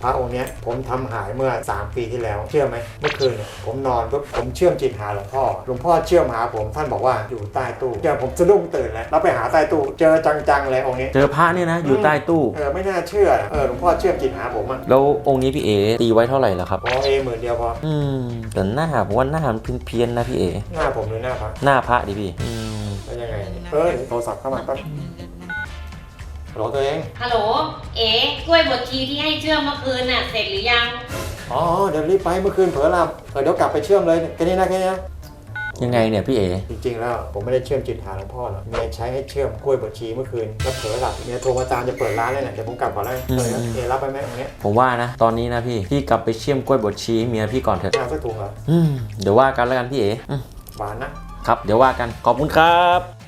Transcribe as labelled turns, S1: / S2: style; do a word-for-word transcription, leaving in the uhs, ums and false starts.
S1: พระองค์เนี้ยผมทำหายเมื่อสามปีที่แล้วเชื่อไหมเมื่อคืนเนี่ยผมนอนปุ๊บผมเชื่อมจิตหาหลวงพ่อหลวงพ่อเชื่อมหาผมท่านบอกว่าอยู่ใต้ตู้เจอผมสะดุ้งตื่นแล้วเราไปหาใต้ตู้เจอจังๆเลยองค์นี้
S2: เจอพระเนี่ยนะอยู่ใต้ตู้
S1: เออไม่น่าเชื่อเออหลวงพ่อเชื่อมจิตหาผมอ่ะ
S2: แล้วองค์นี้พี่เอตีไว้เท่าไหร่ล่ะครับ
S1: พอเอหมื่นเดียวพอ
S2: อืมแต่หน้าผมว่าหน้ามันเพี้ยนๆนะพี่เอ
S1: หน้าผมหรือหน้าพระ
S2: หน้าพระดิพี่อืม
S1: แล้วยังไงเออโทรศัพท์เข้ามาแป๊บฮัลโหลตัวเอง
S3: ฮัลโหลเอ๋กล้วยบดชีที่ให้เชื่อมเมื่อคืนน่ะเสร็จหรือยัง
S1: อ๋อเดี๋ยวรีบไปเมื่อคืนเผลอหลับเออเดี๋ยวกลับไปเชื่อมเลยแค่นี้นะแค่นี้นะ
S2: ยังไงเนี่ยพี่เอ
S1: จริงๆแล้วผมไม่ได้เชื่อมจิตหาหลวงพ่อหรอกเมียใช้ให้เชื่อมกล้วยบดชีเมื่อคืนแล้วเผลอหลับเมียโทรมาตามจะเปิดร้านเลยเนี่ยเดี๋ยวผมกลับก่อนแล้วเออเอรับไปไหมตรงนี้
S2: ผมว่านะตอนนี้นะพี่พี่กลับไปเชื่อมกล้วยบดชีเมียพี่ก่อนเถอะ
S1: เอาสักถุงเหรอ
S2: อืมเดี๋ยวว่ากันแล้วกันพี่เอ
S1: หวานนะครับ
S2: เดี๋ยวว่ากันขอบคุณครับ